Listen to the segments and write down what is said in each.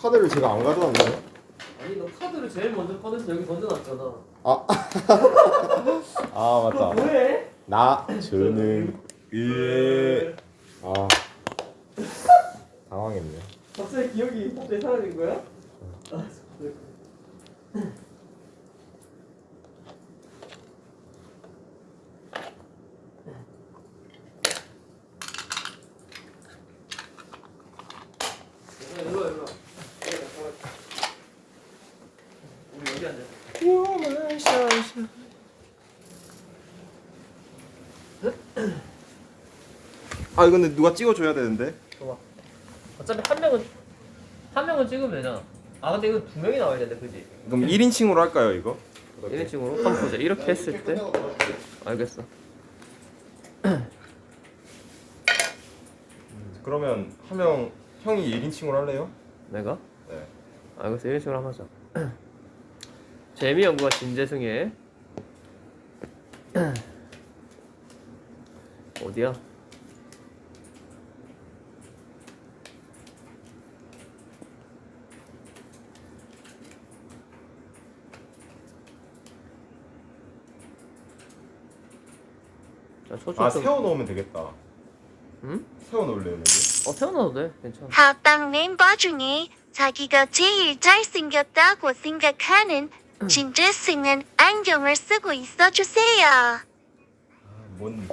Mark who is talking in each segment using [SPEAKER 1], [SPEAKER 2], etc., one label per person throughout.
[SPEAKER 1] 카드를 제가 안 가져왔나요?
[SPEAKER 2] 아니 너 카드를 제일 먼저 꺼내서 여기 던져놨잖아.
[SPEAKER 1] 아 맞다.
[SPEAKER 2] 뭐해?
[SPEAKER 1] 나 저는 아 당황했네.
[SPEAKER 2] 갑자기 기억이 갑자기 사라진 거야? 아, 일로 와. 우리 여기 앉아.
[SPEAKER 1] 아 이거 근데 누가 찍어줘야 되는데.
[SPEAKER 2] 봐봐. 어차피 한 명은 찍으면 되잖아. 아 근데 이거 두 명이 나와야 되는데 그지?
[SPEAKER 1] 그럼 1인칭으로 할까요 이거?
[SPEAKER 2] 1인칭으로 한번 보자. 이렇게 했을 때 알겠어.
[SPEAKER 1] 그러면 한 명 형이 1인칭으로 할래요?
[SPEAKER 2] 내가?
[SPEAKER 1] 네.
[SPEAKER 2] 알겠어. 1인칭으로 한번 하자. 재미연구가 진재승의 어디야? 자, 초점
[SPEAKER 1] 아
[SPEAKER 2] 좀-
[SPEAKER 1] 세워 놓으면 되겠다.
[SPEAKER 2] 응?
[SPEAKER 1] 세워 놓을래요 여기?
[SPEAKER 2] 세워놔도 돼. 괜찮아.
[SPEAKER 3] 합방 멤버 중에 자기가 제일 잘생겼다고 생각하는 진재승은 안경을 쓰고 있어주세요.
[SPEAKER 1] 뭔?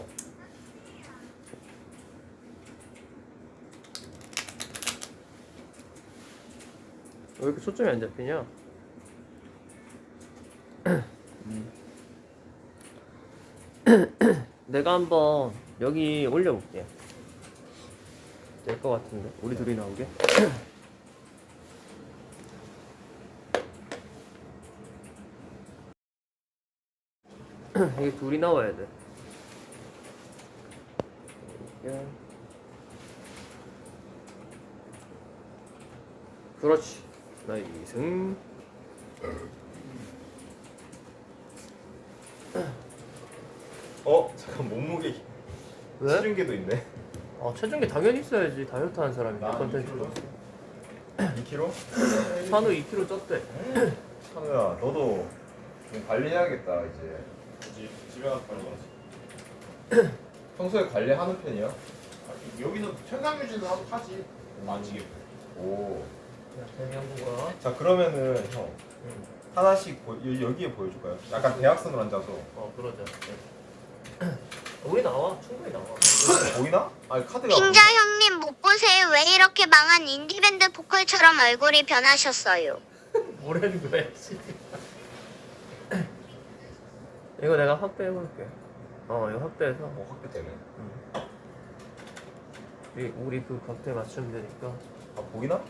[SPEAKER 2] 왜 이렇게 초점이 안 잡히냐? 내가 한번 여기 올려볼게. 될 것 같은데 우리 둘이 나오게. 이게 둘이 나와야 돼. 이렇게. 그렇지. 나이승.
[SPEAKER 1] 잠깐 몸무게
[SPEAKER 2] 왜?
[SPEAKER 1] 체중계도 있네.
[SPEAKER 2] 아 체중계 당연히 있어야지. 다이어트 하는 사람이
[SPEAKER 1] 나
[SPEAKER 2] 컨텐츠.
[SPEAKER 1] 2kg?
[SPEAKER 2] 산후 2kg 쪘대.
[SPEAKER 1] 찬우야 너도 좀 관리해야겠다 이제. 집에 가서 관리 가지. 평소에 관리하는 편이야?
[SPEAKER 4] 여기는 현상 유지는 하지. 만지게.
[SPEAKER 1] 오.
[SPEAKER 2] 야 재미연구가.
[SPEAKER 1] 자 그러면은 형 하나씩 여기에 보여줄까요? 약간 대학생으로 앉아서
[SPEAKER 2] 그러자. 우리 나와. 충분히 나와.
[SPEAKER 1] 보이나? 아니 카드가
[SPEAKER 3] 핑자 형님 못 보세요. 왜 이렇게 망한 인디밴드 보컬처럼 얼굴이 변하셨어요?
[SPEAKER 2] 뭐라는 거야, 씨. 이거 내가 확대해볼게. 이거 확대해서
[SPEAKER 1] 확대되네.
[SPEAKER 2] 우리 그 각도에 맞추면 되니까.
[SPEAKER 1] 아 보이나?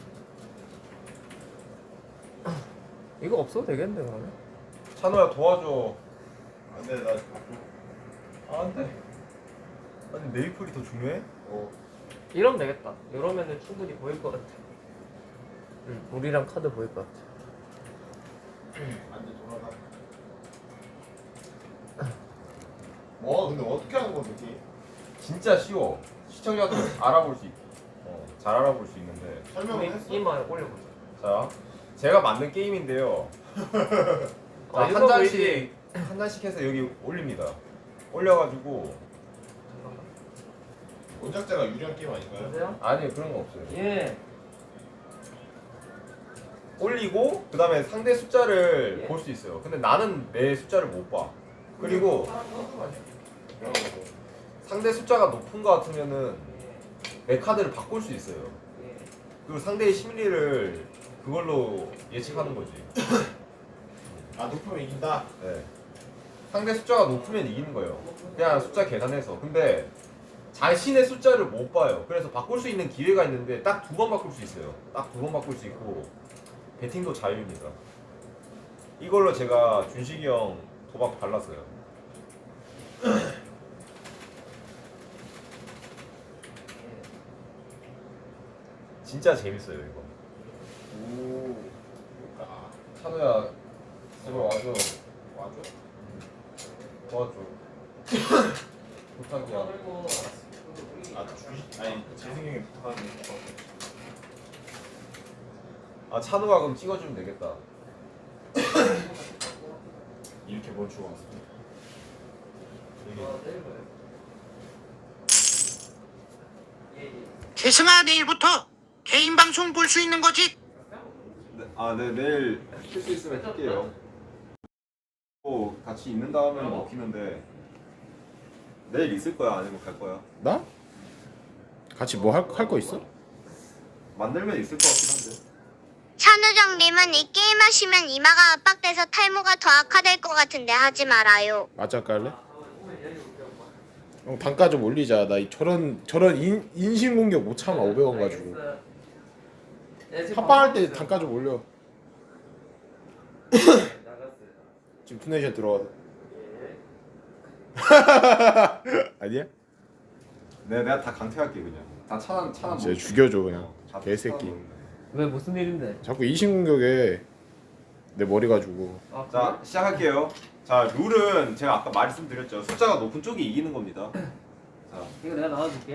[SPEAKER 2] 이거 없어도 되겠는데 그러면?
[SPEAKER 1] 찬우야 도와줘.
[SPEAKER 4] 안돼 나.
[SPEAKER 1] 아, 안 돼. 아니 메이플이 더 중요해?
[SPEAKER 2] 이러면 되겠다. 이러면은 충분히 보일 것 같아. 우리랑 카드 보일 것 같아.
[SPEAKER 4] 안돼 돌아가. 뭐 근데 어떻게 하는 거지?
[SPEAKER 1] 진짜 쉬워. 시청자도 알아볼 수 있. 잘 알아볼 수 있는데.
[SPEAKER 4] 설명을 했어?
[SPEAKER 2] 이마 올려보자.
[SPEAKER 1] 자, 제가 만든 게임인데요. 자, 한
[SPEAKER 2] 이거
[SPEAKER 1] 잔씩 한 잔씩 해서 여기 올립니다. 올려가지고
[SPEAKER 4] 원작자가 유리한 게임 아닌가요?
[SPEAKER 2] 보세요.
[SPEAKER 1] 아니 그런 거 없어요.
[SPEAKER 2] 예.
[SPEAKER 1] 올리고 그 다음에 상대 숫자를
[SPEAKER 2] 예.
[SPEAKER 1] 볼 수 있어요. 근데 나는 내 숫자를 못 봐. 그리고 상대 숫자가 높은 거 같으면은 내 카드를 바꿀 수 있어요. 그리고 상대의 심리를 그걸로 예측하는 거지.
[SPEAKER 4] 아 높으면 이긴다.
[SPEAKER 1] 네. 상대 숫자가 높으면 이기는 거예요. 그냥 숫자 계산해서. 근데 자신의 숫자를 못 봐요. 그래서 바꿀 수 있는 기회가 있는데 딱 두 번 바꿀 수 있어요. 딱 두 번 바꿀 수 있고 배팅도 자유입니다. 이걸로 제가 준식이 형 도박 발랐어요. 진짜 재밌어요 이거.
[SPEAKER 4] 오. 아
[SPEAKER 1] 찬우야 제발 와줘.
[SPEAKER 4] 와줘?
[SPEAKER 1] 도와줘. 부탁이야.
[SPEAKER 4] 아 주식 아니 재승이 형이 부탁하는 거.
[SPEAKER 1] 아 찬우가 그럼 찍어주면 되겠다.
[SPEAKER 4] 이렇게 멈추고 왔습니다.
[SPEAKER 1] 이게
[SPEAKER 5] 재승아 내일부터 개인 방송 볼 수 있는 거지?
[SPEAKER 1] 네 내일 킬 수 있으면 할게요. 같이 있는 다음에 먹히는데 내일 있을 거야 아니면 갈 거야?
[SPEAKER 6] 나? 같이 뭐 할 거 있어?
[SPEAKER 1] 만들면 있을 것 같긴 한데.
[SPEAKER 3] 찬우정님은 이 게임 하시면 이마가 압박돼서 탈모가 더 악화될 것 같은데 하지 말아요.
[SPEAKER 6] 맞짱 깔래? 형 단가 좀 올리자. 나 저런 인신 공격 못 참아. 500원 가지고. 합방할 때 단가 좀 올려. 지금 투네이션 들어와서. 아니야?
[SPEAKER 1] 내가 다 강퇴할게 그냥. 다 차단
[SPEAKER 6] 진짜 죽여줘 그냥.
[SPEAKER 1] 다
[SPEAKER 6] 개새끼.
[SPEAKER 1] 차단하는데.
[SPEAKER 2] 왜 무슨 일인데?
[SPEAKER 6] 자꾸 인신 공격에 내 머리 가지고.
[SPEAKER 2] 아,
[SPEAKER 1] 자 시작할게요. 자 룰은 제가 아까 말씀드렸죠. 숫자가 높은 쪽이 이기는 겁니다. 자
[SPEAKER 2] 이거 내가 나와줄게.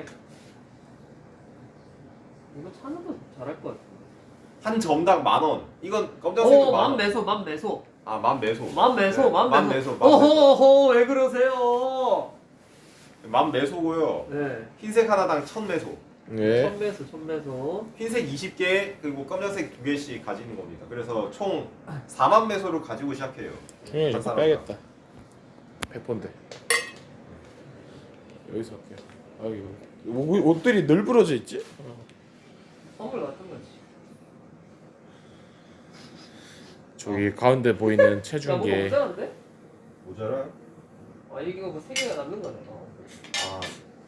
[SPEAKER 2] 이거 찬우도 잘할 것 같아.
[SPEAKER 1] 한 점당 10,000원. 이건 검정색은
[SPEAKER 2] 만 매소, 만 매소.
[SPEAKER 1] 만 매소.
[SPEAKER 2] 만 매소,
[SPEAKER 1] 네,
[SPEAKER 2] 만
[SPEAKER 1] 만
[SPEAKER 2] 매소.
[SPEAKER 1] 매소. 만 매소.
[SPEAKER 2] 오호호, 왜 그러세요?
[SPEAKER 1] 만 매소고요.
[SPEAKER 2] 네.
[SPEAKER 1] 흰색 하나당 1,000매소.
[SPEAKER 6] 네.
[SPEAKER 2] 천 매소, 천 매소.
[SPEAKER 1] 흰색 20개 그리고 검정색 2개씩 가지는 겁니다. 그래서 총 4만 매소를 가지고 시작해요.
[SPEAKER 6] 형이
[SPEAKER 1] 한
[SPEAKER 6] 좀
[SPEAKER 1] 사람당.
[SPEAKER 6] 빼야겠다. 100번데. 여기서 할게. 아 이거 옷들이 널브러져 있지?
[SPEAKER 2] 선물 같은 거지.
[SPEAKER 6] 저기 가운데 보이는
[SPEAKER 2] 야, 뭐가
[SPEAKER 6] 체중계.
[SPEAKER 2] 모자란데?
[SPEAKER 1] 모자라?
[SPEAKER 2] 아, 이게 뭐 3개가 남는 거네.
[SPEAKER 1] 아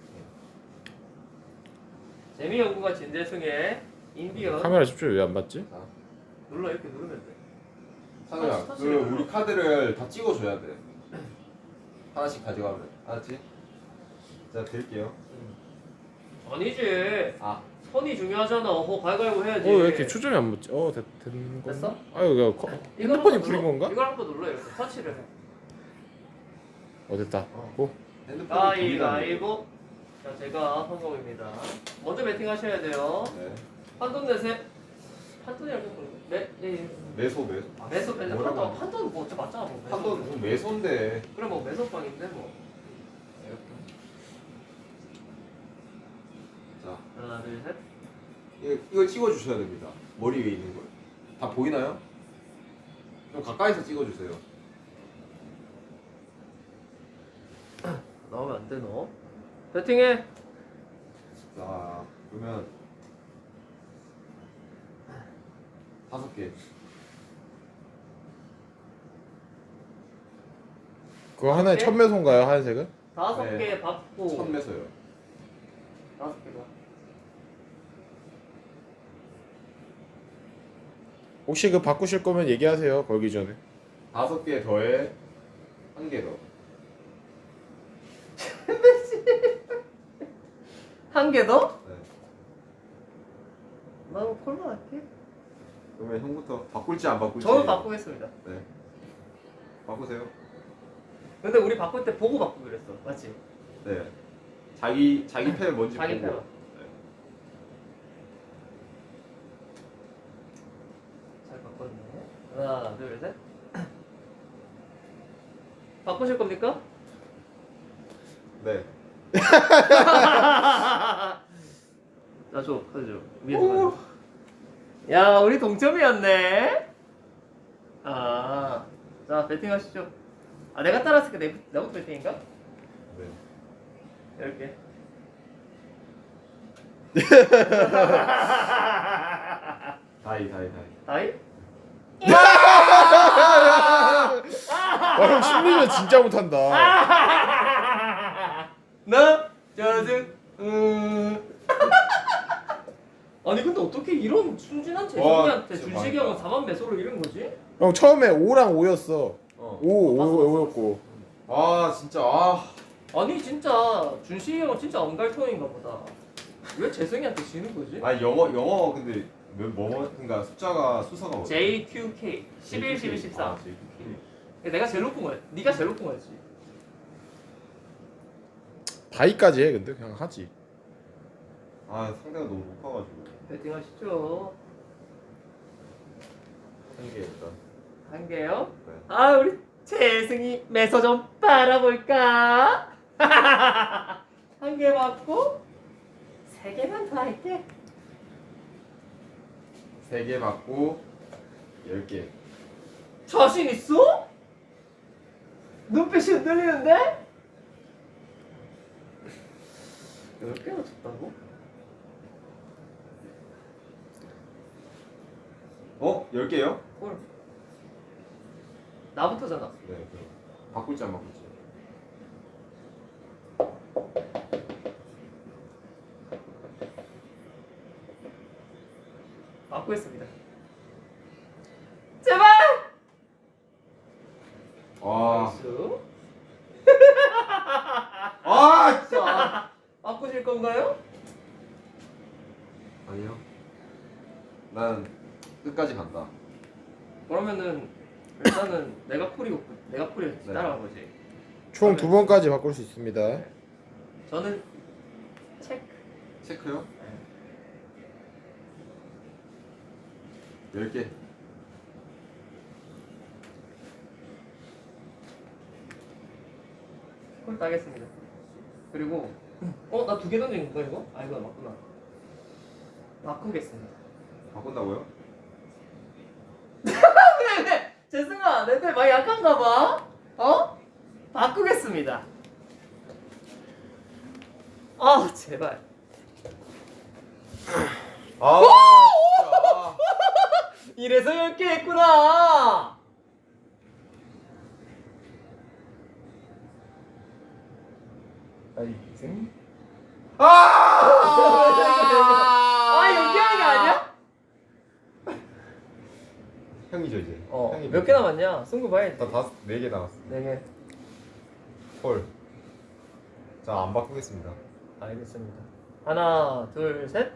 [SPEAKER 2] 재미 연구가 진재승의 인디언.
[SPEAKER 6] 카메라 집중 왜 안 받지?
[SPEAKER 2] 눌러, 이렇게 누르면 돼.
[SPEAKER 1] 상우야 그 우리 카드를 다 찍어줘야 돼. 하나씩 가져가면 알았지? 자 드릴게요.
[SPEAKER 2] 아니지.
[SPEAKER 1] 아
[SPEAKER 2] 선이 중요하잖아. 가위바위보 해야지.
[SPEAKER 6] 왜 이렇게 초점이 안 붙지? 되는 거.
[SPEAKER 2] 됐어?
[SPEAKER 6] 아유 야 핸드폰이 부린 건가?
[SPEAKER 2] 이걸 한번 눌러, 이렇게 터치를 해.
[SPEAKER 6] 됐다. 고.
[SPEAKER 1] 핸드폰이
[SPEAKER 2] 가위바위보. 자, 제가 성공입니다. 먼저 배팅 하셔야 돼요.
[SPEAKER 1] 네.
[SPEAKER 2] 한돈 내세. 한돈이랑 좀 그런데.
[SPEAKER 1] 매소.
[SPEAKER 2] 매소 뺀다.
[SPEAKER 1] 뭐라고
[SPEAKER 2] 한돈 뭐 어차피 맞잖아. 뭐. 매소.
[SPEAKER 1] 한돈 매소인데.
[SPEAKER 2] 그래 뭐 매소빵인데 뭐. 이렇게.
[SPEAKER 1] 자
[SPEAKER 2] 하나, 둘, 셋.
[SPEAKER 1] 이걸 찍어주셔야 됩니다. 머리 위에 있는 걸. 다 보이나요? 좀 가까이서 찍어주세요.
[SPEAKER 2] 나오면 안 돼, 너. 배팅해.
[SPEAKER 1] 자 그러면 5개.
[SPEAKER 6] 그거 하나에
[SPEAKER 2] 네?
[SPEAKER 6] 1000매소인가요? 하얀색은?
[SPEAKER 2] 5개
[SPEAKER 1] 네.
[SPEAKER 2] 받고.
[SPEAKER 1] 1,000매소요.
[SPEAKER 2] 5개가.
[SPEAKER 6] 혹시 그 바꾸실 거면 얘기하세요. 걸기 전에.
[SPEAKER 1] 5개 더해 1개 더.
[SPEAKER 2] 한 개 더?
[SPEAKER 1] 네.
[SPEAKER 2] 나도 콜라 할게.
[SPEAKER 1] 그러면 형부터 바꿀지 안 바꿀지.
[SPEAKER 2] 저는 바꾸겠습니다.
[SPEAKER 1] 네. 바꾸세요.
[SPEAKER 2] 근데 우리 바꿀 때 보고 바꾸기로 했어. 맞지?
[SPEAKER 1] 네. 자기 펜 뭔지
[SPEAKER 2] 자기
[SPEAKER 1] 보고.
[SPEAKER 2] 편. 잘 바꿨네. 하나, 둘, 셋. 바꾸실 겁니까?
[SPEAKER 1] 네.
[SPEAKER 2] 나 줘, 카드 줘. 위에서 가져. 야, 우리 동점이었네. 아, 자 배팅 하시죠. 아, 내가 따라했으니까 내부터 배팅인가?
[SPEAKER 1] 네.
[SPEAKER 2] 이렇게.
[SPEAKER 1] 다이.
[SPEAKER 2] 다이?
[SPEAKER 6] 형 심리전 진짜 못한다.
[SPEAKER 2] 나 짜증. 아니 근데 어떻게 이런 순진한 재성이한테
[SPEAKER 1] 진짜
[SPEAKER 2] 준식이 형은
[SPEAKER 1] 망했다.
[SPEAKER 2] 4만 매소를 잃은 거지?
[SPEAKER 6] 형 처음에 5랑 5였어.
[SPEAKER 1] 어.
[SPEAKER 6] 5였고.
[SPEAKER 1] 아 진짜 아.
[SPEAKER 2] 아니 진짜 준식이 형은 진짜 엉갈통인가 보다. 왜 재성이한테 지는 거지?
[SPEAKER 1] 아니 영어 근데 그러니까 수사가 뭐야?
[SPEAKER 2] JQK 11, 12, 13.
[SPEAKER 1] 아, JQK.
[SPEAKER 2] 내가 제일 높은 거야. 네가 제일 높은 거였지.
[SPEAKER 6] 다이까지 해 근데 그냥 하지.
[SPEAKER 1] 아 상대가 너무 높아가지고.
[SPEAKER 2] 배팅 하시죠.
[SPEAKER 1] 한 개 일단.
[SPEAKER 2] 한 개요?
[SPEAKER 1] 네.
[SPEAKER 2] 아 우리 재승이 매서 좀 빨아볼까? 한 개 맞고 3개만 더 할게.
[SPEAKER 1] 3개 받고 10개.
[SPEAKER 2] 자신 있어? 눈빛이 흔들리는데? 10개나 줬다고?
[SPEAKER 1] 어? 10개요?
[SPEAKER 2] 헐. 나부터잖아.
[SPEAKER 1] 네. 그럼 바꿀지 안 바꿀지.
[SPEAKER 2] 바꾸겠습니다. 제발!
[SPEAKER 1] 와.
[SPEAKER 2] 나이스.
[SPEAKER 1] 아 진짜.
[SPEAKER 2] 자, 바꾸실 건가요?
[SPEAKER 1] 아니요. 난 끝까지 간다.
[SPEAKER 2] 그러면은 일단은 내가 콜이고 내가 콜이
[SPEAKER 1] 네.
[SPEAKER 2] 따라간 거지.
[SPEAKER 6] 총 2번까지 바꿀 수 있습니다.
[SPEAKER 2] 저는 체크.
[SPEAKER 1] 체크요? 10개.
[SPEAKER 2] 콜 따겠습니다. 그리고 나 2개 던진 거 이거? 아 이거 맞구나. 바꾸겠습니다.
[SPEAKER 1] 바꾼다고요?
[SPEAKER 2] 왜? 재승아 내 편 많이 약한가 봐. 어? 바꾸겠습니다. 아 제발.
[SPEAKER 1] 아 진짜.
[SPEAKER 2] 이래서 10개 했구나. 아이승. 아 연기하는 게 아니야?
[SPEAKER 1] 형이죠 이제. 형이
[SPEAKER 2] 몇 개 남았냐? 승부 봐야지.
[SPEAKER 1] 나 4개 남았어.
[SPEAKER 2] 4개.
[SPEAKER 1] 헐. 자, 안 바꾸겠습니다.
[SPEAKER 2] 알겠습니다. 하나, 둘, 셋.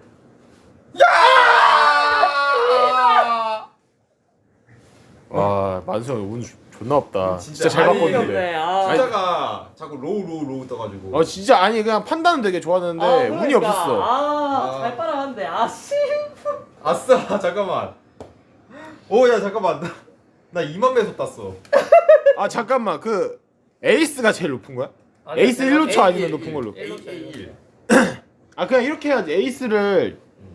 [SPEAKER 6] 와 만수 형 운 존나 없다.
[SPEAKER 1] 진짜
[SPEAKER 6] 진짜 잘
[SPEAKER 1] 아니,
[SPEAKER 6] 바꿨는데.
[SPEAKER 1] 숫자가 자꾸 로우 떠가지고.
[SPEAKER 6] 진짜 아니 그냥 판단은 되게 좋았는데 운이 없었어.
[SPEAKER 2] 잘 빨아갔는데. 씨.
[SPEAKER 1] 아싸 잠깐만. 야 잠깐만. 나 2만 매소 땄어.
[SPEAKER 6] 아 잠깐만 그 에이스가 제일 높은 거야? 에이스 1루차 아니면 높은 걸로.
[SPEAKER 1] A1.
[SPEAKER 6] 아 그냥 이렇게 해야지. 에이스를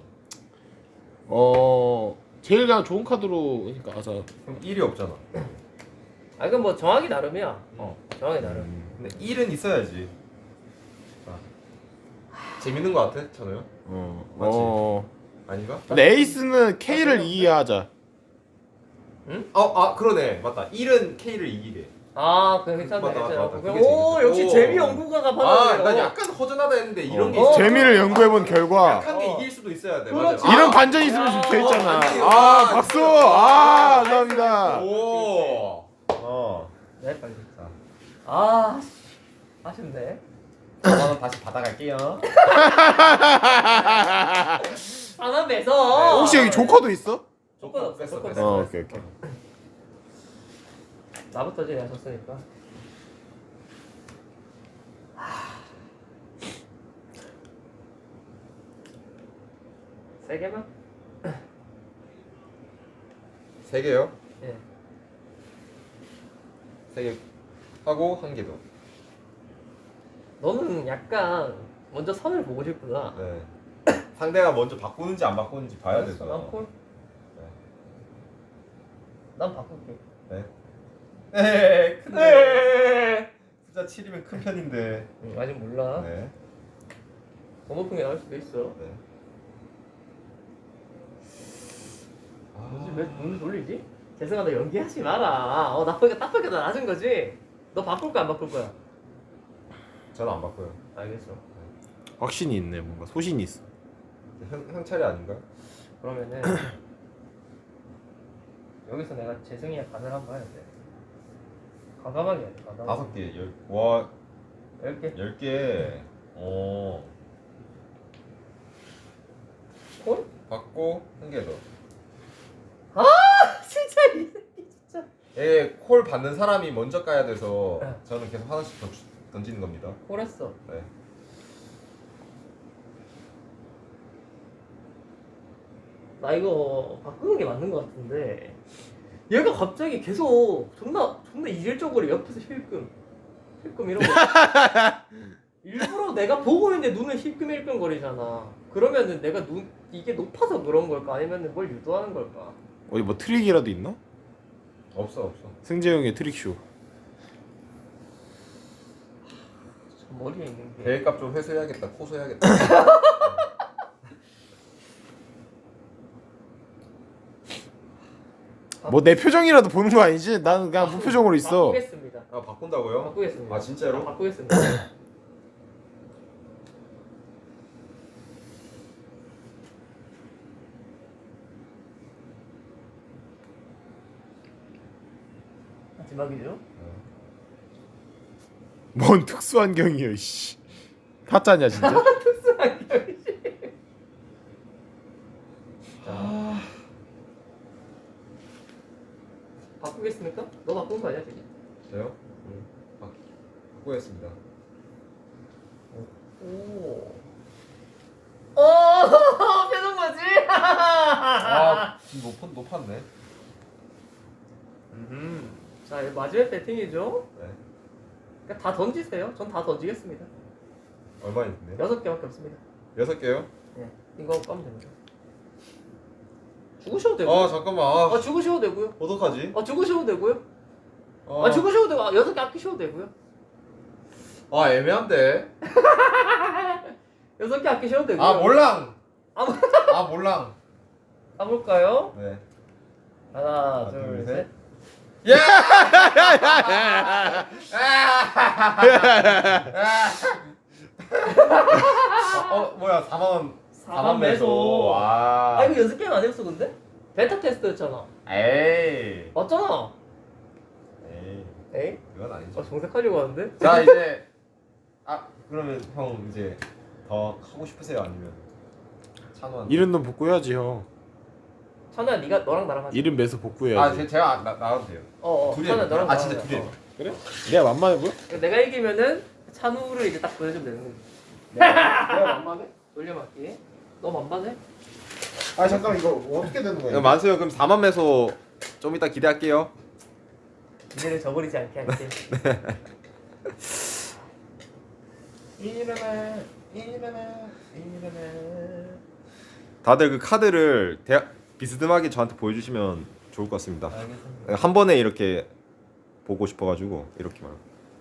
[SPEAKER 6] 제일 그냥 좋은 카드로 그러니까
[SPEAKER 1] 그럼 1이 없잖아.
[SPEAKER 2] 아 이건 뭐 정하기 나름이야. 정하기 나름.
[SPEAKER 1] 근데 1은 있어야지. 자. 재밌는 거 같아, 찬호요? 맞지? 아닌가?
[SPEAKER 6] 근데 에이스는 K를 이해하자.
[SPEAKER 1] 그러네. 맞다. 1은 K를 이기래.
[SPEAKER 2] 그래 괜찮네.
[SPEAKER 1] 맞다.
[SPEAKER 2] 괜찮아.
[SPEAKER 1] 그게
[SPEAKER 2] 오
[SPEAKER 1] 재밌어.
[SPEAKER 2] 역시
[SPEAKER 1] 오.
[SPEAKER 2] 재미 연구가가 받아들여.
[SPEAKER 1] 난 약간 허전하다 했는데 이런 게
[SPEAKER 2] 어.
[SPEAKER 1] 있어.
[SPEAKER 6] 재미를 연구해본 결과
[SPEAKER 1] 약한 게 이길 수도 있어야 돼.
[SPEAKER 2] 그렇지.
[SPEAKER 1] 맞아.
[SPEAKER 6] 이런 반전이 있으면 좀 재밌잖아.
[SPEAKER 1] 반전이.
[SPEAKER 6] 박수. 감사합니다.
[SPEAKER 1] 오.
[SPEAKER 2] 네 빨리.
[SPEAKER 1] 자.
[SPEAKER 2] 아쉽네.
[SPEAKER 1] 5만원 다시 받아갈게요.
[SPEAKER 2] 하나 매서.
[SPEAKER 6] 혹시 여기 조커도 있어?
[SPEAKER 2] 조건 없어.
[SPEAKER 1] 뺐어,
[SPEAKER 2] 조건
[SPEAKER 1] 뺐어.
[SPEAKER 2] 없어.
[SPEAKER 6] 오케이.
[SPEAKER 2] 나부터 제일 하셨으니까. 세 개만?
[SPEAKER 1] 3개요?
[SPEAKER 2] 예.
[SPEAKER 1] 3개 하고 1개 더.
[SPEAKER 2] 너는 약간 먼저 선을 보고 싶구나.
[SPEAKER 1] 네. 상대가 먼저 바꾸는지 안 바꾸는지 봐야
[SPEAKER 2] 알았어,
[SPEAKER 1] 되잖아.
[SPEAKER 2] 난 콜.
[SPEAKER 1] 네.
[SPEAKER 2] 난 바꿀게.
[SPEAKER 1] 네. 근데 숫자 7이면 큰 편인데.
[SPEAKER 2] 아직 몰라.
[SPEAKER 1] 네.
[SPEAKER 2] 더 높은 게 나올 수도 있어.
[SPEAKER 1] 네.
[SPEAKER 2] 왜 눈을 돌리지? 재승아 너 연기하지 마라. 나쁘게 딱 보니까 나 낮은 거지? 너 바꿀 거야 안 바꿀 거야?
[SPEAKER 1] 저는 안 바꿔요.
[SPEAKER 2] 알겠어.
[SPEAKER 6] 확신이 있네. 뭔가 소신이 있어.
[SPEAKER 1] 형 차례 아닌가요?
[SPEAKER 2] 그러면은 여기서 내가 재승이의 간을 한번 해야 돼. 과감하게 해야 돼. 과감하게.
[SPEAKER 1] 5개. 와
[SPEAKER 2] 10개.
[SPEAKER 1] 10개.
[SPEAKER 2] 콜?
[SPEAKER 1] 받고 1개 더.
[SPEAKER 2] 진짜 이 새끼 진짜.
[SPEAKER 1] 콜 받는 사람이 먼저 까야 돼서 저는 계속 하나씩 더 던지는 겁니다.
[SPEAKER 2] 콜했어.
[SPEAKER 1] 네.
[SPEAKER 2] 나 이거 바꾸는 게 맞는 거 같은데 얘가 갑자기 계속 존나 이질적으로 옆에서 힐끔 이런 거. 일부러 내가 보고 있는데 눈을 힐끔 거리잖아. 그러면은 내가 이게 높아서 그런 걸까 아니면은 뭘 유도하는 걸까?
[SPEAKER 6] 어디 뭐 트릭이라도 있나?
[SPEAKER 1] 없어.
[SPEAKER 6] 승재 형의 트릭쇼.
[SPEAKER 2] 저 머리에 있는 게.
[SPEAKER 1] 대회값 좀 회수해야겠다. 코소해야겠다.
[SPEAKER 6] 뭐 내 표정이라도 보는 거 아니지? 나는 그냥 무표정으로 있어.
[SPEAKER 2] 바꾸겠습니다.
[SPEAKER 1] 아 바꾼다고요?
[SPEAKER 2] 바꾸겠습니다.
[SPEAKER 1] 아 진짜로?
[SPEAKER 2] 바꾸겠습니다. 마지막이죠?
[SPEAKER 6] 뭔 특수환경이야 씨. 타짜냐 진짜?
[SPEAKER 2] 바꾸겠습니까? 너 바꾼 거 아니야 지금?
[SPEAKER 1] 저요? 바꾸겠습니다.
[SPEAKER 2] 오. 표정 뭐지?
[SPEAKER 1] 아 지금 높았네.
[SPEAKER 2] 자, 이거 마지막 배팅이죠?
[SPEAKER 1] 네.
[SPEAKER 2] 그러니까 다 던지세요. 전 다 던지겠습니다.
[SPEAKER 1] 얼마 있는데?
[SPEAKER 2] 6개밖에 없습니다.
[SPEAKER 1] 6개요?
[SPEAKER 2] 네. 이거 까면 됩니다. 죽으셔도 되고.
[SPEAKER 1] 아 잠깐만.
[SPEAKER 2] 죽으셔도 되고요.
[SPEAKER 1] 어떡하지?
[SPEAKER 2] 죽으셔도 되고요. 죽으셔도 되고. 6개 아끼셔도 되고요.
[SPEAKER 1] 아 애매한데.
[SPEAKER 2] 6개 아끼셔도 되고요.
[SPEAKER 1] 아 몰랑.
[SPEAKER 2] 아,
[SPEAKER 1] 몰랑.
[SPEAKER 2] 까볼까요?
[SPEAKER 1] 네.
[SPEAKER 2] 하나,
[SPEAKER 1] 둘,
[SPEAKER 2] 둘,
[SPEAKER 1] 셋.
[SPEAKER 2] 셋.
[SPEAKER 1] 야! 뭐야 4만
[SPEAKER 2] 매소.
[SPEAKER 1] 와.
[SPEAKER 2] 이거 연습 게임 아니었어 근데? 베타 테스트였잖아.
[SPEAKER 1] 에이.
[SPEAKER 2] 맞잖아. 에이?
[SPEAKER 1] 그건 아니죠.
[SPEAKER 2] 정색하려고 하는데?
[SPEAKER 1] 자 이제 그러면 형 이제 더 하고 싶으세요 아니면 찬호한테?
[SPEAKER 6] 이런 돈 복구해야지 형.
[SPEAKER 2] 찬우야 네가 너랑 나랑 하자.
[SPEAKER 6] 이름 매서 복구해야지.
[SPEAKER 1] 제가 나가도 돼요.
[SPEAKER 2] 둘이
[SPEAKER 1] 둘이
[SPEAKER 2] 찬우야 너랑 나랑
[SPEAKER 1] 진짜
[SPEAKER 2] 하자.
[SPEAKER 1] 둘이.
[SPEAKER 6] 그래? 내가 만만해 보여?
[SPEAKER 2] 내가 이기면은 찬우를 이제 딱 보내주면 되는 거지.
[SPEAKER 6] 내가 만만해?
[SPEAKER 2] 돌려막기. 너 만반해?
[SPEAKER 6] 아 잠깐 이거 어떻게 되는 거야?
[SPEAKER 1] 만수요 그럼 4만 매소 좀 이따 기대할게요.
[SPEAKER 2] 이제는 저버리지 않게 할게.
[SPEAKER 6] 일어나.
[SPEAKER 1] 다들 그 카드를 비스듬하게 저한테 보여주시면 좋을 것 같습니다.
[SPEAKER 2] 알겠습니다.
[SPEAKER 1] 한 번에 이렇게 보고 싶어가지고 이렇게 말고.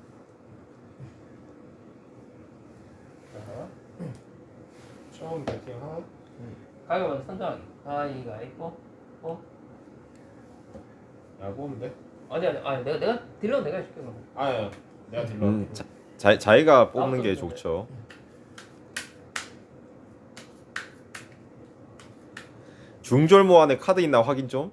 [SPEAKER 6] 처음 배팅 하나.
[SPEAKER 2] 가위가 먼저 선정하기. 가위가 있고.
[SPEAKER 6] 야구인데?
[SPEAKER 2] 아니 내가 딜러 내가 해줄게 그럼.
[SPEAKER 6] 아야 내가 딜러.
[SPEAKER 1] 자기가 뽑는 게
[SPEAKER 2] 좋은데.
[SPEAKER 1] 좋죠. 중절모 안에 카드 있나 확인 좀.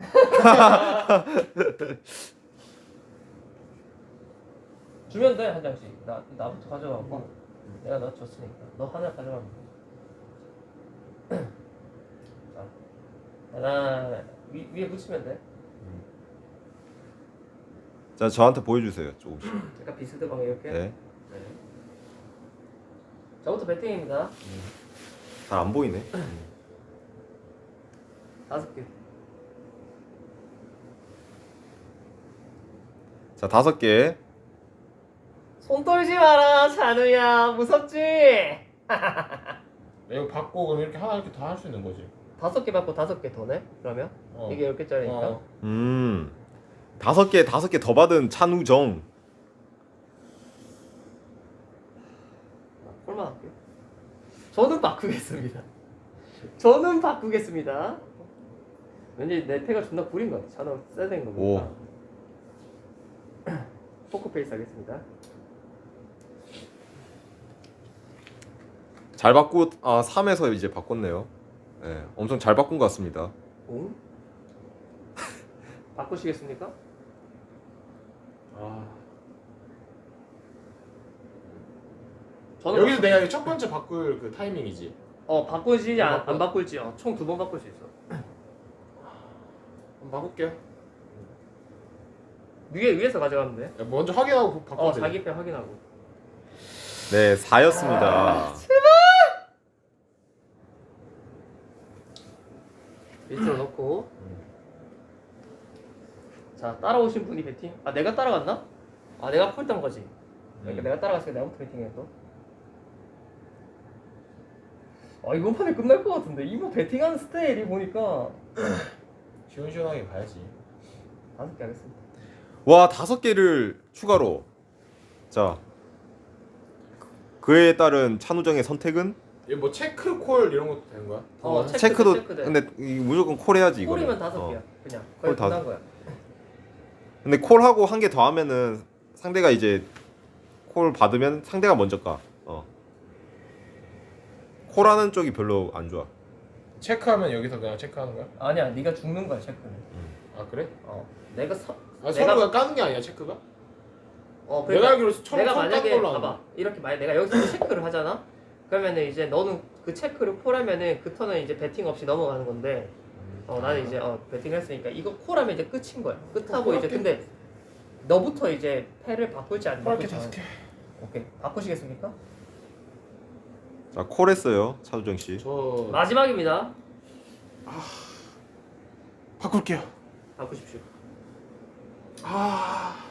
[SPEAKER 2] 주면 돼 한 장씩. 나부터 가져가고. 내가 너 줬으니까. 너 하나 가져가면 돼. 자, 하나 위에 붙이면 돼.
[SPEAKER 1] 자 저한테 보여주세요 조금씩.
[SPEAKER 2] 약간 비스듬하게 이렇게.
[SPEAKER 1] 네.
[SPEAKER 2] 저부터 배팅입니다.
[SPEAKER 1] 잘 안 보이네.
[SPEAKER 2] 5개.
[SPEAKER 1] 자 5개.
[SPEAKER 2] 손 떨지 마라 찬우야 무섭지?
[SPEAKER 6] 이거 받고 그럼 이렇게 하나 이렇게 다 할 수 있는 거지.
[SPEAKER 2] 5개 받고 5개 더 내? 그러면? 이게 10개짜리니까
[SPEAKER 1] 5개 더 받은 찬우정.
[SPEAKER 2] 꼴만 할게요. 저는 바꾸겠습니다. 왠지 내 패가 존나 구린 것 같아. 찬우 세된 거니까. 포크페이스 하겠습니다.
[SPEAKER 1] 잘 바꾸 3에서 이제 바꿨네요. 네, 엄청 잘 바꾼 것 같습니다.
[SPEAKER 2] 응? 바꾸시겠습니까? 저는
[SPEAKER 6] 여기서 내가 첫 번째 바꿀 그 타이밍이지.
[SPEAKER 2] 바꾸지 안 바꿀지 총 2번 바꿀 수 있어.
[SPEAKER 6] 한번 바꿀게요.
[SPEAKER 2] 위에서 가져가면 돼.
[SPEAKER 6] 먼저 확인하고 바꾸면 돼.
[SPEAKER 2] 자기 패 확인하고.
[SPEAKER 1] 네 4였습니다.
[SPEAKER 2] 밑으로 넣고 자 따라오신 분이 배팅. 아 내가 따라갔나? 아 내가 콜 딴 거지. 그러니까
[SPEAKER 1] 음.
[SPEAKER 2] 내가 따라갔으니까 내가부터 배팅해 또. 아 이번 판에 끝날 것 같은데 이거 배팅하는 스타일이 보니까
[SPEAKER 4] 시원시원하게 가야지.
[SPEAKER 2] 5개 하겠습니다.
[SPEAKER 1] 와 5개를 추가로. 자 그에 따른 찬우정의 선택은
[SPEAKER 6] 이거 뭐 체크 콜 이런 것도 되는 거야?
[SPEAKER 1] 체크도
[SPEAKER 2] 체크돼.
[SPEAKER 1] 근데 무조건 콜 해야지 이거.
[SPEAKER 2] 콜이면 5개야. 그냥 거의
[SPEAKER 1] 콜
[SPEAKER 2] 끝난 거야.
[SPEAKER 1] 근데 콜하고 한 개 더 하면은 상대가 이제 콜 받으면 상대가 먼저 까. 콜하는 쪽이 별로 안 좋아.
[SPEAKER 6] 체크하면 여기서 그냥 체크하는 거야?
[SPEAKER 2] 아니야 네가 죽는 거야 체크는.
[SPEAKER 6] 아 그래?
[SPEAKER 2] 내가
[SPEAKER 6] 서로가 까는 게 아니야 체크가?
[SPEAKER 2] 그러니까
[SPEAKER 6] 내가 알기로 처음
[SPEAKER 2] 내가
[SPEAKER 6] 깐
[SPEAKER 2] 만약에
[SPEAKER 6] 걸로 아는데.
[SPEAKER 2] 봐봐 이렇게 만약 내가 여기서 체크를 하잖아. 그러면은 이제 너는 그 체크를 콜하면은 그 턴은 이제 배팅 없이 넘어가는 건데 나는 이제 배팅을 했으니까 이거 콜하면 이제 끝인 거야. 끝하고 이제 근데 너부터 이제 패를 바꿀지 안
[SPEAKER 6] 그렇게
[SPEAKER 2] 바꿀지.
[SPEAKER 6] 5개.
[SPEAKER 2] 오케이 바꾸시겠습니까?
[SPEAKER 1] 자 콜했어요 차두정 씨.
[SPEAKER 6] 저
[SPEAKER 2] 마지막입니다.
[SPEAKER 6] 바꿀게요.
[SPEAKER 2] 바꾸십시오.
[SPEAKER 6] 아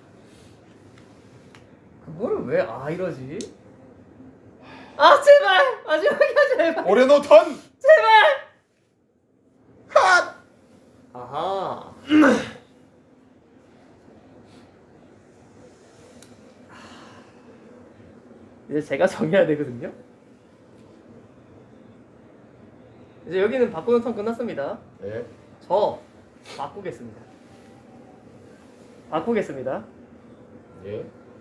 [SPEAKER 2] 그걸 왜 이러지? 아 제발 마지막이야 제발
[SPEAKER 6] 올해노 턴.
[SPEAKER 2] 제발.
[SPEAKER 6] 핫.
[SPEAKER 2] 아하. 이제 제가 정해야 되거든요. 이제 여기는 바꾸는 턴 끝났습니다.
[SPEAKER 6] 네.
[SPEAKER 2] 저 바꾸겠습니다. 바꾸겠습니다.
[SPEAKER 6] 예.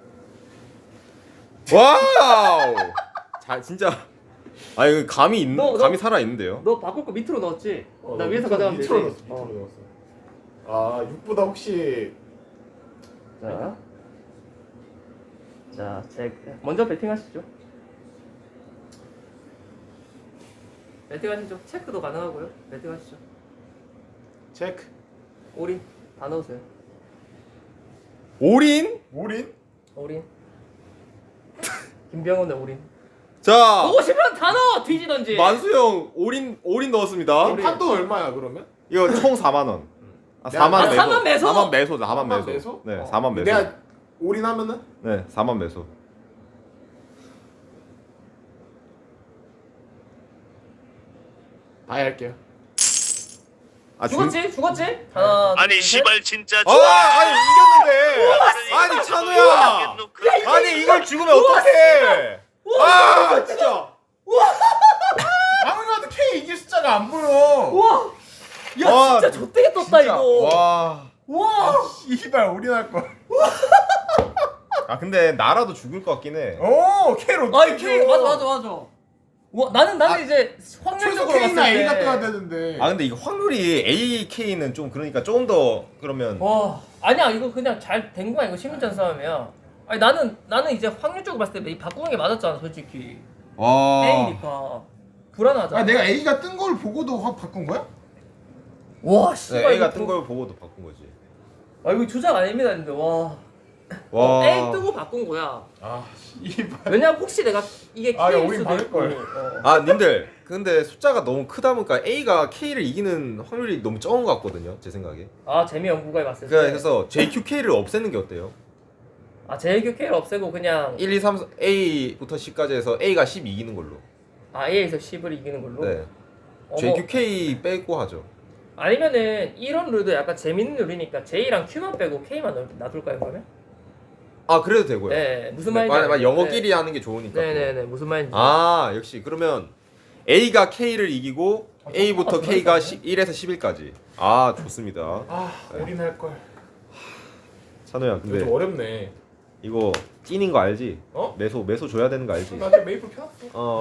[SPEAKER 1] 와우. 자 진짜. 아 이거 감이 감이 살아 있는데요.
[SPEAKER 2] 너 바꿀 거 밑으로 넣었지? 나 위에서 가져가면 되지.
[SPEAKER 6] 밑으로 넣었어. 아 6보다 혹시
[SPEAKER 2] 자, 먼저 배팅하시죠. 배팅하시죠. 체크도 가능하고요. 배팅하시죠.
[SPEAKER 6] 체크.
[SPEAKER 2] 올인 다 넣으세요.
[SPEAKER 1] 올인?
[SPEAKER 6] 올인?
[SPEAKER 2] 올인. 김병훈의 올인.
[SPEAKER 1] 자
[SPEAKER 2] 보고 싶으면 다 넣어. 뒤지던지.
[SPEAKER 1] 만수형 올인 넣었습니다.
[SPEAKER 2] 올인.
[SPEAKER 6] 판돈 얼마야 그러면?
[SPEAKER 1] 이거 총 4만 원. 아,
[SPEAKER 6] 내가-
[SPEAKER 1] 4만 매소.
[SPEAKER 2] 4만 매소?
[SPEAKER 1] 4만 매소. 4만
[SPEAKER 6] 4만
[SPEAKER 1] 매소.
[SPEAKER 6] 매소?
[SPEAKER 1] 네, 4만 매소.
[SPEAKER 6] 내가 올인하면은
[SPEAKER 1] 네, 4만 매소.
[SPEAKER 6] 다 할게요.
[SPEAKER 1] 아,
[SPEAKER 2] 죽었지? 죽었지? 하나,
[SPEAKER 5] 아니
[SPEAKER 2] 둘, 셋.
[SPEAKER 5] 시발 진짜
[SPEAKER 1] 아니 이겼는데. 아니 찬우야. 아니 이걸 죽으면 어떡해? 아 진짜.
[SPEAKER 6] 아무리 봐도 K 이길 숫자가 안 보여.
[SPEAKER 2] 우와! 야
[SPEAKER 1] 와,
[SPEAKER 2] 진짜 좆되게 떴다
[SPEAKER 1] 진짜.
[SPEAKER 2] 이거.
[SPEAKER 1] 와.
[SPEAKER 2] 와!
[SPEAKER 6] 이발 올인할 걸.
[SPEAKER 1] 아 근데 나라도 죽을 것 같긴 해.
[SPEAKER 6] 오 K로.
[SPEAKER 2] 아이 K 맞아. 와 나는 이제
[SPEAKER 6] 최소
[SPEAKER 2] 확률적으로
[SPEAKER 6] K나
[SPEAKER 2] 봤을
[SPEAKER 6] A가
[SPEAKER 2] 때.
[SPEAKER 6] 떠야 되는데.
[SPEAKER 1] 아 근데 이거 확률이 AK는 좀 그러니까 조금 더 그러면
[SPEAKER 2] 와 아니야 이거 그냥 잘 된 거야 이거 심리전 싸움이야. 아니 나는 이제 확률적으로 봤을 때 이 바꾸는 게 맞았잖아 솔직히.
[SPEAKER 1] 와.
[SPEAKER 2] A니까 불안하잖아.
[SPEAKER 6] 아 내가 A가 뜬 걸 보고도 확 바꾼 거야?
[SPEAKER 2] 와
[SPEAKER 1] 네,
[SPEAKER 2] 씨발
[SPEAKER 1] A가
[SPEAKER 2] 이거
[SPEAKER 1] 뜬 걸 보고도 바꾼 거지.
[SPEAKER 2] 아 이거 조작 아닙니다 근데 와.
[SPEAKER 1] 와.
[SPEAKER 2] A 뜨고 바꾼 거야.
[SPEAKER 6] 아 이발.
[SPEAKER 2] 왜냐면 혹시 내가 이게
[SPEAKER 6] 아, 야,
[SPEAKER 2] K일
[SPEAKER 6] 우린
[SPEAKER 2] 수도
[SPEAKER 6] 받을
[SPEAKER 2] 있고.
[SPEAKER 6] 걸.
[SPEAKER 1] 아 님들 근데 숫자가 너무 크다 보니까 A가 K를 이기는 확률이 너무 적은 것 같거든요 제 생각에.
[SPEAKER 2] 아 재미 연구가에 봤을 때.
[SPEAKER 1] 그래서 JQK를 없애는 게 어때요?
[SPEAKER 2] 아 JQ K를 없애고 그냥
[SPEAKER 1] 1, 2, 3, A부터 10까지 해서 A가 10 이기는 걸로.
[SPEAKER 2] A에서 10을 이기는 걸로.
[SPEAKER 1] 네.
[SPEAKER 2] 어머.
[SPEAKER 1] JQK 빼고 하죠.
[SPEAKER 2] 아니면은 이런 룰도 약간 재밌는 룰이니까 J랑 Q만 빼고 K만 놔둘까요 그러면?
[SPEAKER 1] 아 그래도 되고요.
[SPEAKER 2] 네 무슨
[SPEAKER 1] 네,
[SPEAKER 2] 말인지.
[SPEAKER 1] 만약
[SPEAKER 2] 알겠어요.
[SPEAKER 1] 영어끼리 하는 게 좋으니까.
[SPEAKER 2] 네네네 무슨 말인지.
[SPEAKER 1] 아 역시 그러면 A가 K를 이기고 A부터
[SPEAKER 2] 똑같은
[SPEAKER 1] K가
[SPEAKER 2] 거네.
[SPEAKER 1] 1에서 11까지. 아 좋습니다.
[SPEAKER 6] 아 올인할 걸.
[SPEAKER 1] 찬호야
[SPEAKER 6] 이거
[SPEAKER 1] 근데
[SPEAKER 6] 좀 어렵네.
[SPEAKER 1] 이거 찐인 거 알지?
[SPEAKER 6] 어?
[SPEAKER 1] 매소 줘야 되는 거 알지?
[SPEAKER 6] 나 지금 메이플 켜놨어.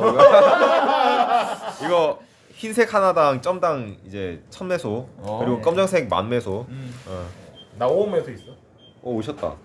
[SPEAKER 1] 이거 흰색 하나당 점당 이제 1000매소 그리고
[SPEAKER 2] 네.
[SPEAKER 1] 검정색 10,000매소.
[SPEAKER 6] 나 5호에서 있어.
[SPEAKER 1] 오셨다.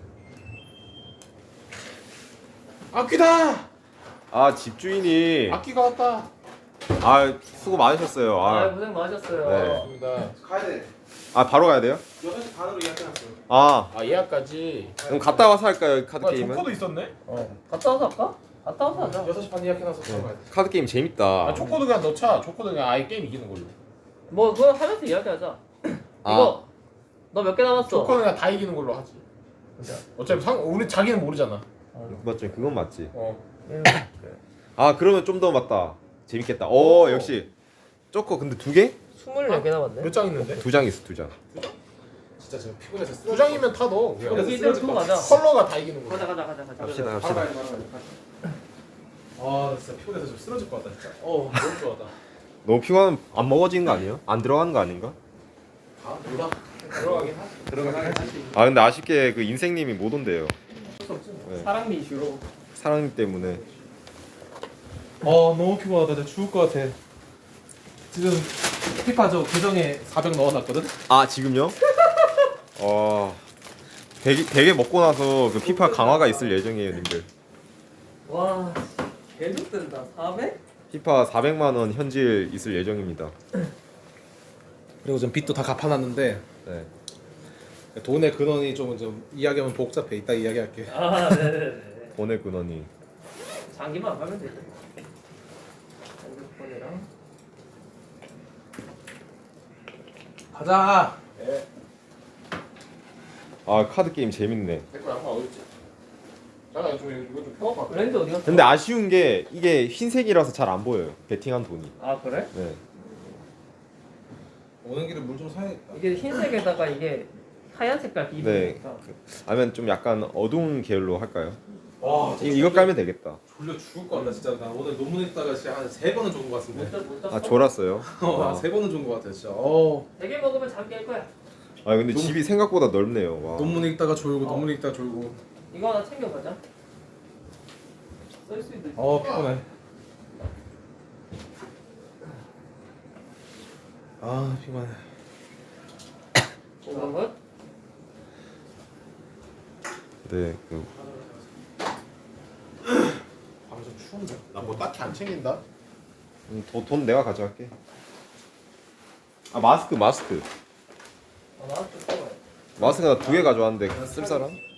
[SPEAKER 6] 악귀다.
[SPEAKER 1] 아 집주인이
[SPEAKER 6] 악귀가 왔다.
[SPEAKER 1] 아 수고 많으셨어요.
[SPEAKER 2] 아 고생 많으셨어요.
[SPEAKER 1] 네.
[SPEAKER 6] 맞습니다.
[SPEAKER 4] 가야 돼.
[SPEAKER 1] 아 바로 가야 돼요?
[SPEAKER 4] 6시 반으로 예약해놨어요.
[SPEAKER 1] 아
[SPEAKER 6] 아 예약까지.
[SPEAKER 1] 그럼 갔다 와서 할까요 카드
[SPEAKER 6] 아
[SPEAKER 1] 게임은?
[SPEAKER 6] 초코도 있었네.
[SPEAKER 2] 갔다 와서 할까? 갔다 와서 하자.
[SPEAKER 4] 6시 반 예약해놔서 바로 가야 돼.
[SPEAKER 1] 카드 게임 재밌다.
[SPEAKER 6] 아 초코도 그냥 넣자. 초코도 그냥 아예 게임 이기는 걸로.
[SPEAKER 2] 뭐 그거 하면서 이야기하자.
[SPEAKER 1] 아.
[SPEAKER 2] 이거 너 몇 개 남았어?
[SPEAKER 6] 조커는 그냥 다 이기는 걸로 하지. 어차피 우리 자기는 모르잖아.
[SPEAKER 1] 맞죠? 그건 맞지.
[SPEAKER 2] 응.
[SPEAKER 1] 아 그러면 좀 더 맞다. 재밌겠다. 오
[SPEAKER 6] 오.
[SPEAKER 1] 역시 쪼커 근데 2개?
[SPEAKER 2] 24개 남았네.
[SPEAKER 6] 몇 장 있는데?
[SPEAKER 1] 2장 있어 2장.
[SPEAKER 6] 진짜 제가 피곤해서 2장이면 타 너.
[SPEAKER 2] 여기 이대로 두고 가자.
[SPEAKER 6] 컬러가 다 이기는 거야.
[SPEAKER 2] 가자.
[SPEAKER 1] 갑시다
[SPEAKER 6] 바로
[SPEAKER 1] 갑시다.
[SPEAKER 6] 가야 돼, 바로 가야 돼. 아, 나 진짜 피곤해서 좀 쓰러질 것 같다 진짜. 너무 좋아다.
[SPEAKER 1] 너무 피곤하면 안 먹어지는 거 아니에요? 안 들어가는 거 아닌가?
[SPEAKER 6] 아, 몰라. 들어가긴 하지. 들어가긴 하지.
[SPEAKER 1] 아 근데 아쉽게 그 인생님이 못 온대요. 네.
[SPEAKER 2] 사랑니 이슈로.
[SPEAKER 1] 사랑 때문에.
[SPEAKER 6] 너무 피곤하다. 나 죽을 것 같아. 지금 피파 저 계정에 400 넣어놨거든.
[SPEAKER 1] 아 지금요? 되게 먹고 나서 그 피파 강화가 있을 예정이에요, 님들.
[SPEAKER 2] 와, 계속 된다. 400?
[SPEAKER 1] 피파 400만 원 현질 있을 예정입니다.
[SPEAKER 6] 그리고 좀 빚도 다 갚아놨는데
[SPEAKER 1] 네.
[SPEAKER 6] 돈의 근원이 좀 이야기하면 복잡해. 이따 이야기할게.
[SPEAKER 2] 아, 네네네.
[SPEAKER 1] 돈의 근원이.
[SPEAKER 2] 장기만 안 가면 되죠. 핸드폰이랑.
[SPEAKER 6] 가자.
[SPEAKER 1] 아 카드 게임 재밌네.
[SPEAKER 6] 내거 양말 어딨지? 잠깐 이거 좀 펴봐.
[SPEAKER 2] 브랜드 어디 갔어?
[SPEAKER 1] 근데 아쉬운 게 이게 흰색이라서 잘 안 보여요. 베팅한 돈이.
[SPEAKER 2] 아, 그래?
[SPEAKER 1] 네.
[SPEAKER 6] 오는 길에 물 좀 사야겠다.
[SPEAKER 2] 이게 흰색에다가 이게 하얀 색깔
[SPEAKER 1] 네.
[SPEAKER 2] 비비니까.
[SPEAKER 1] 아니면 좀 약간 어두운 계열로 할까요?
[SPEAKER 6] 와,
[SPEAKER 1] 이거 깔면 되겠다.
[SPEAKER 6] 졸려 죽을 것 같다 진짜. 나 오늘 논문 읽다가 진짜 한 3번은 좋은 것 같은데.
[SPEAKER 2] 못 잤어?
[SPEAKER 1] 아 졸았어요.
[SPEAKER 6] 한 3번은 좋은 것 같아 진짜.
[SPEAKER 2] 되게 먹으면 잠 깰 거야.
[SPEAKER 1] 아 근데 집이 생각보다 넓네요. 와.
[SPEAKER 6] 논문 읽다가 졸고 논문 읽다가 졸고.
[SPEAKER 2] 이거 하나 챙겨가자. 쓸 수 있는.
[SPEAKER 6] 피곤해. 피곤해.
[SPEAKER 2] 그런 것?
[SPEAKER 1] 네. 그
[SPEAKER 6] 방좀 추운데? 나 뭐 딱히 안 챙긴다.
[SPEAKER 1] 돈 내가 가져갈게. 아 마스크.
[SPEAKER 2] 아, 나한테 써봐요.
[SPEAKER 1] 마스크 나 2개 가져왔는데 쓸 사람?